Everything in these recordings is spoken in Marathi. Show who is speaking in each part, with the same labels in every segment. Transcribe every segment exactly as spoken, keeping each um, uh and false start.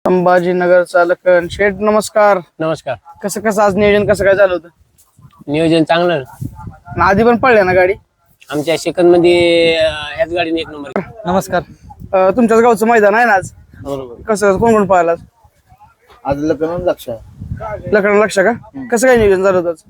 Speaker 1: संभाजीनगरचा लखन शेठ, नमस्कार.
Speaker 2: नमस्कार.
Speaker 1: कसं कसं आज नियोजन कसं काय झालं होतं?
Speaker 2: नियोजन चांगलं.
Speaker 1: आणि आधी पण पडले ना गाडी?
Speaker 2: आमच्या सेकंद मध्ये अं, याच गाडीने एक नंबर.
Speaker 1: नमस्कार. अं, तुमच्याच गावचं मैदान आहे ना आज?
Speaker 3: बरोबर.
Speaker 1: कसं कोण कोण पाहिला?
Speaker 3: आज लग्न लक्ष
Speaker 1: लखन लक्ष का? कसं काय नियोजन झालं होतं आज?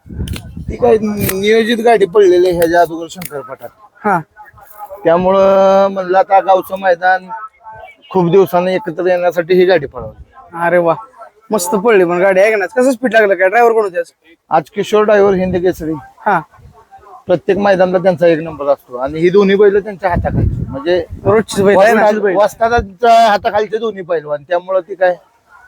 Speaker 3: ती काय नियोजित गाडी पडलेली आहे ह्याच्या अगोदर शंकरपटात,
Speaker 1: हा
Speaker 3: त्यामुळं म्हणलं आता गावचं मैदान खूप दिवसांनी एकत्र येण्यासाठी ही गाडी पळवली.
Speaker 1: अरे वा, मस्त पडली पण गाडी आहे का नाही? कसं स्पीड लागलं काय? ड्रायव्हर कोण होते आज?
Speaker 3: आज किशोर ड्रायव्हर हिंद केसरी,
Speaker 1: हा
Speaker 3: प्रत्येक मैदानाला त्यांचा एक नंबर असतो आणि ही दोन्ही बैल त्यांच्या हाताखालची, म्हणजे
Speaker 1: रोजची बैल आहे ना?
Speaker 3: वस्तादाच्या हाताखालचे दोन्ही पैलवान, त्यामुळं ती काय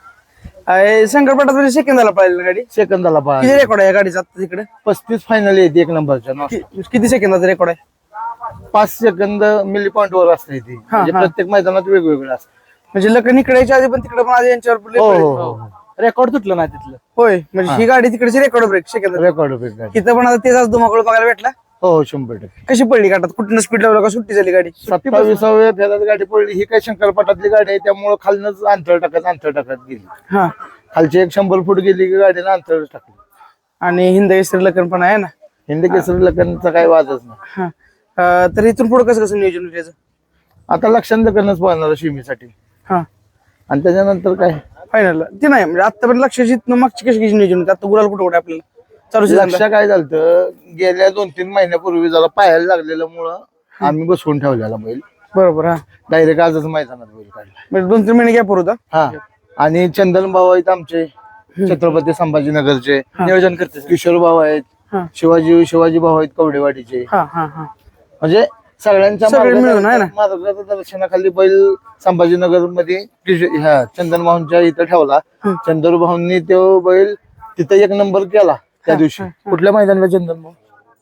Speaker 1: आहे, शंकरपटात सेकंदाला पाहिली ना गाडी?
Speaker 3: सेकंदाला
Speaker 1: किती
Speaker 3: पाहिजे.
Speaker 1: रेकॉर्ड आहे गाडीचा आता तिकडे?
Speaker 3: पस्तीस फायनल येते एक नंबरच्या ना.
Speaker 1: कि- किती सेकंदाचा रेकॉर्ड आहे?
Speaker 3: पाच सेकंद मिली पॉईंट वर असते ती, म्हणजे
Speaker 1: हा.
Speaker 3: प्रत्येक मैदानात वेगवेगळं असतं.
Speaker 1: म्हणजे लखन इकडे यायच्या आधी पण तिकडे पण आधी यांच्यावर play
Speaker 3: हो
Speaker 1: पडली.
Speaker 3: हो रेकॉर्ड तुटलं ना तिथलं.
Speaker 1: होय, म्हणजे ही गाडी तिकडची रेकॉर्ड ब्रेक सेकंद.
Speaker 3: रेकॉर्ड गाडी.
Speaker 1: तिथं पण आता तेच आज धुमाकूळ बघायला भेटला.
Speaker 3: हो हो शंभर टक्के.
Speaker 1: कशी पडली गाठात? कुठून स्पीड लावलं का सुट्टी झाली गाडी?
Speaker 3: सत्तावीसाव्या फेऱ्यात गाडी पडली. ही काय शंकरपटातली गाडी आहे, त्यामुळे खालनच अंतर टाकत अंतर टाकत गेली.
Speaker 1: हा,
Speaker 3: खालची एक शंभर फूट गेली की गाडीनं अंतर टाकली.
Speaker 1: आणि हिंद केसरी लखन पण आहे ना?
Speaker 3: हिंद केसरी लग्नाचा काही वादच नाही.
Speaker 1: हा. अं, तर इथून पुढे कसं कसं नियोजन होतं याचं?
Speaker 3: आता लक्षात लग्नच पाहणार शिमीसाठी,
Speaker 1: हा,
Speaker 3: आणि त्याच्यानंतर काय
Speaker 1: फायनल ते नाही म्हणजे आता पण लक्षाची मागची कशी कशी नियोजन होतं? आता गुलाल कुठे कुठे आपल्याला चालू
Speaker 3: लक्ष काय झालं, गेल्या दोन तीन महिन्यापूर्वी जरा पाहायला लागलेलं मुळे आम्ही बसवून ठेवलेला बैल.
Speaker 1: बरोबर. हा,
Speaker 3: डायरेक्ट आजच मैदानात बैल काढला.
Speaker 1: म्हणजे दोन तीन महिने गॅप होता.
Speaker 3: हा, आणि चंदन भाऊ आहेत आमचे, छत्रपती संभाजीनगरचे नियोजन करते. किशोर भाऊ आहेत,
Speaker 1: हा.
Speaker 3: शिवाजी शिवाजी भाऊ आहेत कवडेवाडीचे.
Speaker 1: हा हा हा
Speaker 3: म्हणजे सगळ्यांच्या
Speaker 1: सगळे मिळून आहे ना?
Speaker 3: मार्गदर्शनाखाली बैल संभाजीनगर मध्ये ह्या चंदन भाऊंच्या इथं ठेवला. चंदन भाऊंनी तो बैल तिथं एक नंबर केला त्या दिवशी. कुठल्या मैदानाला? चंदन भाऊ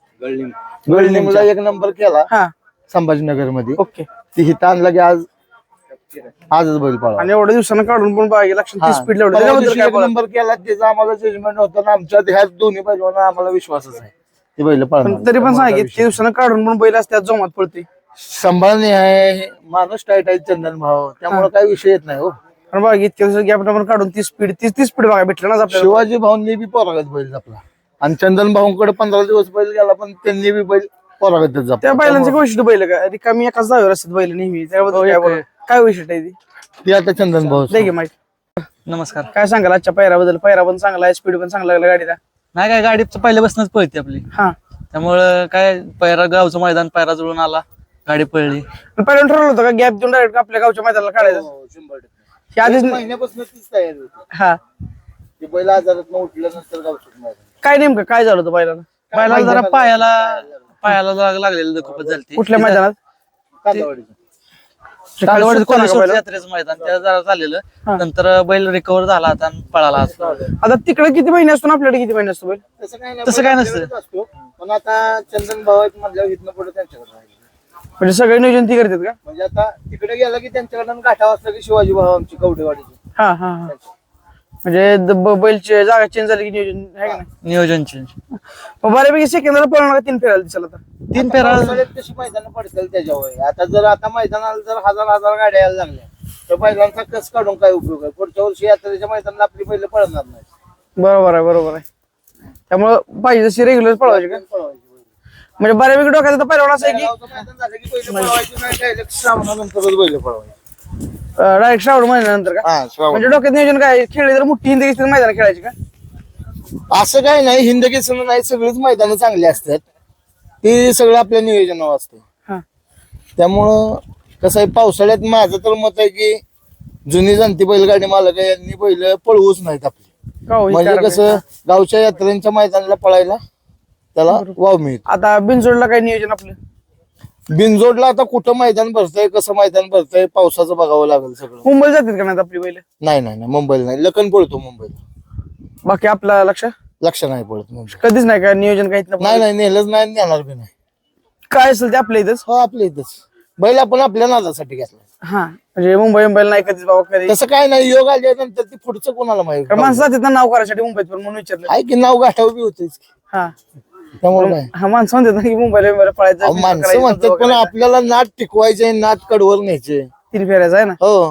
Speaker 3: गळलिंगला एक नंबर केला
Speaker 1: हा.
Speaker 3: संभाजीनगर मध्ये.
Speaker 1: ओके.
Speaker 3: ती हिथं आणला की आज आजच बैल पळाला.
Speaker 1: आणि एवढ्या दिवसानं काढून पण बघा लक्षात स्पीड लावली
Speaker 3: परवा
Speaker 1: त्याच्याबद्दल
Speaker 3: दिवशी
Speaker 1: काय
Speaker 3: एक
Speaker 1: बोलाल?
Speaker 3: नंबर केला, त्याचा आम्हाला जजमेंट होतं ना. आमच्या ह्या दोन्ही बैलांना आम्हाला विश्वासच आहे ते बैल
Speaker 1: पण
Speaker 3: पळणार.
Speaker 1: तरी पण सांगितलं ते दिवसानं काढून पण बैल असतात जोमात पळते.
Speaker 3: संभाळणे आहे, माणूस टाईट आहे चंदन भाऊ, त्यामुळे काही विषय येत नाही हो.
Speaker 1: पण बघा इतक्या दिवसात गॅप पण काढून ती स्पीड तीस तीस स्पीड बघा भेटलं ना आपल्याला.
Speaker 3: शिवाजी भाऊंनी बी पोरागत बैल जपला, आणि चंदन भाऊंकडे पंधरा दिवस बैल गेला, पण त्यांनी बी बैल पोरागतच जपला.
Speaker 1: त्या बैलांचं काय वैशिष्ट्य बैल का रिकामी एकाच जागेवर असतात बैल नेहमी? त्याबद्दल काय बोलाल? काय वैशिष्ट्य आहे ती?
Speaker 3: ती आता चंदन भाऊ
Speaker 1: दे की माहिती.
Speaker 4: नमस्कार.
Speaker 1: काय सांगाल आजच्या पैराबद्दल? पैरा पण चांगला आहे, स्पीड पण चांगला लागला गाडीला.
Speaker 4: नाही काय गाडी पहिल्यापासूनच पळते आपली,
Speaker 1: हा,
Speaker 4: त्यामुळं काय पैरा गावचं मैदान पैरा जुळून आला, गाडी पळली.
Speaker 1: पण पहिल्यांदा ठरवलं होतं का गॅप देऊन डायरेक्ट आपल्या गावच्या मैदानाला काढायचं? हे आधीच
Speaker 3: महिन्यापासून तीच तयारी होती.
Speaker 1: हा.
Speaker 3: ती बैल आजारात उठल्यानंतर गावचं मैदान.
Speaker 1: काय नेमकं काय झालं होतं बैलाला?
Speaker 4: बैला जरा पायाला पायाला जरा लागलेलं खूपच झाली.
Speaker 1: कुठल्या मैदानात?
Speaker 3: कांदावाडीचं.
Speaker 4: कालवाडी कोल्हापूर यात्रेचं मैदान त्या जरा झालेलं, नंतर बैल रिकव्हर झाला आता आणि पळाला आज.
Speaker 1: आता तिकडे किती महिने असतो ना आपल्याकडे किती महिने असतो बैल?
Speaker 3: तसं काय नाही,
Speaker 4: तसं काय
Speaker 3: बैल
Speaker 4: नसतं.
Speaker 3: आपल्याकडेच असतो. पण आता चंदन भाऊ आहेत म्हटल्यावर इथनं पुढे त्यांच्याकडे राहिलं.
Speaker 1: म्हणजे सगळे नियोजन ती करतात का?
Speaker 3: म्हणजे आता तिकडे गेला की त्यांच्याकडून गाठा वाजता की शिवाजी भाऊ आमची कवडेवाडीची.
Speaker 1: हा हा हा. म्हणजे द- ब- बैलची जागा चेंज झाली की नियोजन आहे का नाही?
Speaker 4: नियोजन चेंज.
Speaker 1: मग बऱ्यापैकी सेकंदाला पळणार का तीन फेरायला दिसायला आता?
Speaker 4: तीन फेरा
Speaker 3: पावसाळ्यात तशी मैदान पडतील त्याच्यावर. आता जर आता मैदानाला जर हजार हजार गाड्या यायला लागल्या तर बैलांचा कस काढून काय उपयोग आहे? पुढच्या वर्षी यात्रेच्या मैदानाला आपली बैल पळणार नाही.
Speaker 1: बरोबर आहे, बरोबर आहे. त्यामुळं पाहिजे तशी रेग्युलर पळवायची का?
Speaker 3: पळवायची बैल.
Speaker 1: म्हणजे बऱ्यापैकी डोक्यात आता पहिला असं आहे की
Speaker 3: गावचं मैदान झालं की बैल पळवायची नाही, direct श्रावणानंतरच बैल पळवायची.
Speaker 1: डायरेक्ट श्रावण महिन्यानंतर का?
Speaker 3: हा, श्रावण.
Speaker 1: म्हणजे डोक्यात नियोजन काय खेळले तर मोठी हिंदी घेतली मैदान खेळायची का?
Speaker 3: असं काय नाही, हिंद केसरी नाही, सगळीच मैदानं चांगली असतात. ते सगळं आपल्या नियोजनावर असतं.
Speaker 1: हा.
Speaker 3: त्यामुळं कसं आहे, पावसाळ्यात माझं तर मत आहे की जुनी जाणती बैलगाडी मालक आहे यांनी बैल पळवूच नाहीत आपली.
Speaker 1: का हो, हे
Speaker 3: म्हणजे
Speaker 1: कारण
Speaker 3: कसं
Speaker 1: आहे?
Speaker 3: गावच्या यात्रेच्या मैदानाला पळायला त्याला वाव मिळतो.
Speaker 1: आता बिनजोडला काय नियोजन आपलं?
Speaker 3: बिनजोडला आता कुठं मैदान भरतंय, कसं मैदान भरतंय, पावसाचं बघावं लागेल सगळं.
Speaker 1: मुंबईला जातात का नाही आपली बैल?
Speaker 3: नाही नाही नाही, मुंबईला नाही, लखन पळतो मुंबईला.
Speaker 1: बाकी आपला लक्ष
Speaker 3: लक्ष नाही पळत मुंबई.
Speaker 1: कधीच नाही का नियोजन काहीच
Speaker 3: नाही नाही, नेलंच नाही, नेणार बी नाही.
Speaker 1: काय असेल ते आपल्या इथंच.
Speaker 3: हो, आपल्या इथंच बैल आपण आपल्या नादासाठी घेतला.
Speaker 1: हा, म्हणजे मुंबई मुंबईला नाही कधीच बाबा कधी.
Speaker 3: तसं काय नाही, योग आल्यानंतर ती पुढचं कोणाला माहिती.
Speaker 1: कारण माणसं जातात ना नाव करायसाठी मुंबईत, पण म्हणून विचारलं.
Speaker 3: आहे की नाव गाठावं बी होतेच.
Speaker 1: हा,
Speaker 3: त्यामुळे काय,
Speaker 1: हा माणसं म्हणतात ना की मुंबईला मुंबईला पळायचं,
Speaker 3: अहो, माणसं म्हणतात पण आपल्याला नाद टिकवायचे, नाद कडवर न्यायचे.
Speaker 1: तीन फेऱ्याचं आहे ना.
Speaker 3: हो,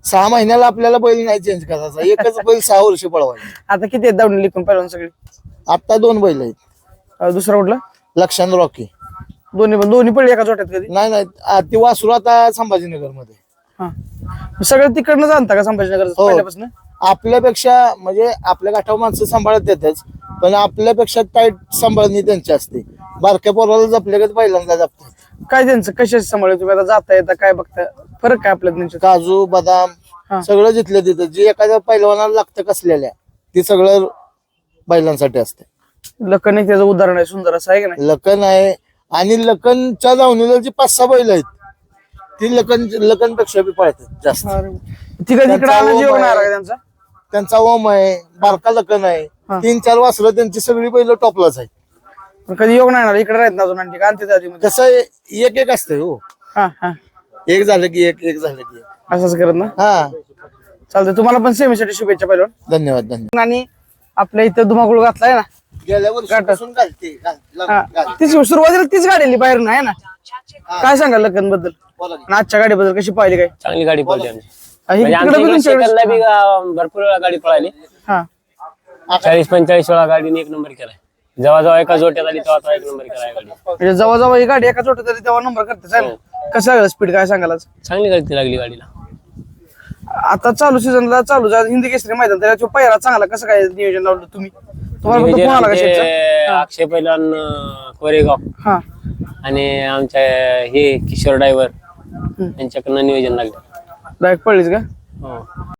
Speaker 3: सहा महिन्याला आपल्याला बैल नाही चेंज करायचा, एकच बैल सहा वर्ष पळवायचा.
Speaker 1: आता किती आहेत दावणी लिखून पहिलवान सगळे?
Speaker 3: आता दोन बैल आहेत,
Speaker 1: अं, दुसरा कुठला?
Speaker 3: लक्षांत रॉकी.
Speaker 1: दोन्ही पण दोन्ही पडले एका जोट्यात कधी?
Speaker 3: नाही नाही आ, ती वासरू आता संभाजीनगर मध्ये.
Speaker 1: हा सगळं तिकडनं जाणता का संभाजीनगर
Speaker 3: हो.
Speaker 1: पहिल्यापासून?
Speaker 3: आपल्यापेक्षा म्हणजे आपल्या गाठावर माणसं सांभाळत येतच, पण आपल्यापेक्षा टाईट सांभाळणी त्यांची असते. बारक्या पोराला जपल्यागत बैलांना जपतात.
Speaker 1: काय त्यांचं कशाची सांभाळ तुम्ही आता जाता येता काय बघता फरक काय आपल्या त्यांच्यात?
Speaker 3: काजू
Speaker 1: हा.
Speaker 3: बदाम सगळं जिथलं तिथं जे एखाद्या पैलवानाला लागतं कसलेल्या ते सगळं बैलांसाठी असते.
Speaker 1: लखन एक त्याचं उदाहरण आहे, सुंदर असं आहे का नाही?
Speaker 3: लखन आहे, आणि लखनच्या दावणीला जी पाच सहा बैल आहेत ती लखन लखनपेक्षा बी पळतात जास्त.
Speaker 1: ती कधी इकडे
Speaker 3: त्यांचा
Speaker 1: आला
Speaker 3: ओम
Speaker 1: जेवण
Speaker 3: आहे.
Speaker 1: आहे का त्यांचा?
Speaker 3: त्यांचा ओम आहे, बारका लखन आहे,
Speaker 1: हा.
Speaker 3: तीन चार वासरं त्यांची सगळी बैल टॉपलाच आहेत.
Speaker 1: पण कधी योग नाही आला इकडे राहत ना अजून आणखी का आणते आधीमध्ये?
Speaker 3: तसं एक एक असतंय हो,
Speaker 1: हा हा
Speaker 3: एक झालं की एक, एक झालं की एक.
Speaker 1: असंच करत ना.
Speaker 3: हा,
Speaker 1: चालतंय, तुम्हाला पण सेमीसाठी शुभेच्छा पहिलवान.
Speaker 3: धन्यवाद धन्यवाद.
Speaker 1: आणि आपल्या इथं धुमाकूळ घातलाय ना.
Speaker 3: गेल्या वर्षापासून घालते घाल- घाल-
Speaker 1: हा
Speaker 3: घाल.
Speaker 1: तीच सुरुवातीला तीच गाडी आली बाहेर आहे ना. काय सांगाल लखन बद्दल
Speaker 3: बोला की.
Speaker 1: आणि आजच्या गाडीबद्दल कशी पाहिली काय?
Speaker 2: चांगली गाडी पळली आमची.
Speaker 1: आणि
Speaker 2: म्हणजे
Speaker 1: तिकडे
Speaker 2: आमच्या
Speaker 1: बी
Speaker 2: इकडे
Speaker 1: तुमच्याकडे-
Speaker 2: शेकलला बी गा- भरपूर वेळा गाडी पळाली.
Speaker 1: हा
Speaker 2: चाळीस पंचेचाळीस वेळा गाडीने एक नंबर केलाय. जेव्हा जेव्हा एका जोट्यात आली तेव्हा तेव्हा एक नंबर केलाय गाडी.
Speaker 1: म्हणजे जवळ जवळ ही गाडी एका छोट्या तरी तेव्हा नंबर करते चालेल. कसं आहे स्पीड काय सांगाल आज?
Speaker 2: चांगली गाडी लागली गाडीला.
Speaker 1: आता चालू सीझनला चालू झालं हिंदी केसरी मैदान त्याच्या पहिला चांगला कसं काय नियोजन लावलं तुम्ही? तुम्हाला फक्त
Speaker 2: नियोजन
Speaker 1: फोन आला का
Speaker 2: आमचे
Speaker 1: शेठचा?
Speaker 2: अक्षय पैलवान अं, कोरेगाव
Speaker 1: हा
Speaker 2: आणि आमच्या हे किशोर ड्रायव्हर यांच्याकडनं नियोजन लागलं.
Speaker 1: डायरेक्ट पडलीच का?
Speaker 2: हो.